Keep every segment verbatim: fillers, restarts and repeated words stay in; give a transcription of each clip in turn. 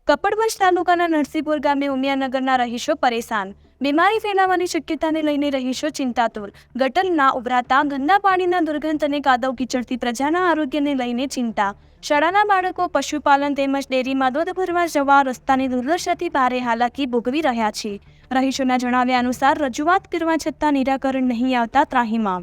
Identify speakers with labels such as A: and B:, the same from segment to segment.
A: કપડવંજ તાલુકાના નરસિંહપુર ગામે ઉમિયાનગરના રહીશો પરેશાન. બીમારી ફેલાવાની શક્યતાને લઈને રહીશો ચિંતાતુર. ગટર ના ઉભરાતા ગંદા પાણીના દુર્ગંધ અને કાદવ કીચડથી પ્રજાના આરોગ્યને લઈને ચિંતા. શાળાના બાળકો પશુપાલન તેમજ ડેરીમાં દૂધ ભરવા જવા રસ્તાની દુર્દશાથી ભારે હાલાકી ભોગવી રહ્યા છે. રહીશોના જણાવ્યા અનુસાર રજૂઆત કરવા છતાં નિરાકરણ નહીં આવતા ત્રાહિમામ.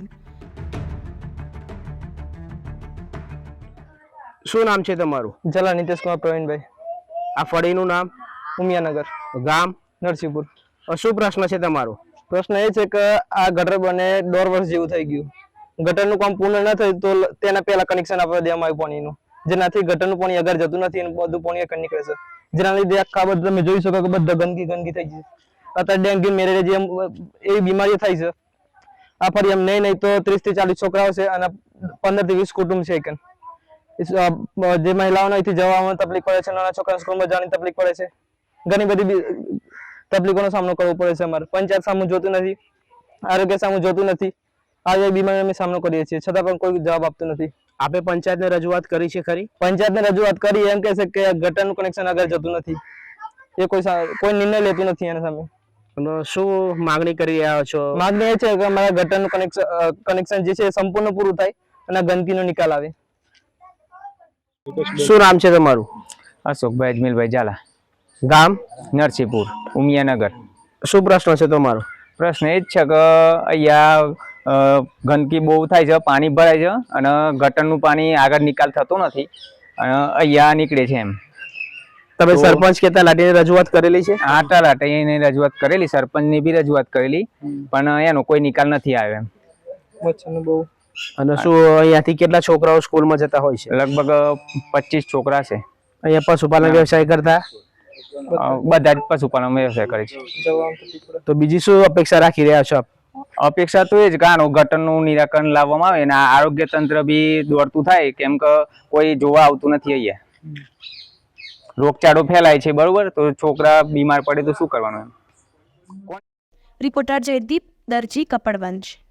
B: શું નામ છે તમારું?
C: જલા નીતિશ કુમાર પ્રવીણભાઈ.
B: આ ફળીનું નામ?
C: ઉમિયાનગર.
B: ગામ?
C: નરસિંહપુર.
B: શું પ્રશ્ન છે તમારો?
C: પ્રશ્ન એ છે કે આ ગટર બને દોઢ વર્ષ જેવું થઈ ગયું. ગટરનું કામ પૂર્ણ ન થયું તો તેના પહેલા કનેક્શન આપવા દેવામાં આવ્યું પાણીનું, જેનાથી ગટરનું પાણી આગળ જતું નથી અને બધું પાણી આગળ નીકળે છે. જેના લીધે આખા બધા તમે જોઈ શકો કે બધા ગંદકી ગંદકી થઈ ગઈ. અત્યારે ડેન્ગ્યુ મેલેરિયા જેમ એવી બીમારીઓ થાય છે. આ ફરી એમ નહીં નહીં તો ત્રીસ થી ચાલીસ છોકરાઓ છે અને પંદર થી વીસ કુટુંબ છે. કે જે મહિલાઓને અહીંથી જવામાં તકલીફ પડે છે, નાના છોકરા સ્કૂલમાં જવાની તકલીફ પડે છે, ઘણી બધી તકલીફોનો સામનો કરવો પડે છે. અમારે પંચાયત સામું જોતું નથી, આરોગ્ય સામું જોતું નથી. આવી બીમારીનો અમે સામનો કરીએ છીએ, છતાં પણ કોઈ જવાબ આપતું નથી.
B: આપે પંચાયતને રજૂઆત કરી છે ખરી?
C: પંચાયતને રજૂઆત કરી, એમ કહે છે કે ગટરનું કનેક્શન આગળ જતું નથી. એ કોઈ કોઈ નિર્ણય લેતું નથી એના સામે.
B: શું માંગણી કરી રહ્યા છો?
C: માંગણી એ છે કે અમારા ગટરનું કનેક્શન કનેક્શન જે છે એ સંપૂર્ણ પૂરું થાય અને ગંદકીનો નિકાલ આવે.
B: શું નામ છે તમારું?
D: અશોકભાઈ અજમેલભાઈ ઝાલા.
B: ગામ?
D: નરસિંહપુર, ઉમિયાનગર.
B: શું પ્રશ્ન છે તમારો?
D: પ્રશ્ન એ જ છે કે અહીંયા ગંદકી બહુ થાય છે, પાણી ભરાય છે અને ગટરનું પાણી આગળ નિકાલ થતો નથી અને અહીંયા નીકળે છે. એમ
B: તમે સરપંચ કે તલાટીને રજૂઆત કરેલી છે?
D: આ તલાટીને રજૂઆત કરેલી, સરપંચની બી રજૂઆત કરેલી, પણ એનો કોઈ નિકાલ નથી આવ્યો. એમ
C: બહુ.
B: અને શું અહીંયાથી કેટલા છોકરાઓ સ્કૂલમાં જતા હોય છે?
D: લગભગ પચીસ છોકરા છે.
B: અહીંયા પશુપાલન વ્યવસાય કરતા
D: બધા જ પશુપાલન વ્યવસાય કરે છે.
B: તો બીજી શું અપેક્ષા રાખી રહ્યા છો આપ?
D: અપેક્ષા તો એ જ કે આનું ગટરનું નિરાકરણ લાવવામાં આવે અને આરોગ્ય તંત્ર બી દોડતું થાય, કેમ કે કોઈ જોવા આવતું નથી. અહીંયા રોગચાળો ફેલાય છે, બરોબર, તો છોકરા બીમાર પડે તો શું કરવાનું? એમ.
A: રિપોર્ટર જયદીપ દરજી, કપડવંજ.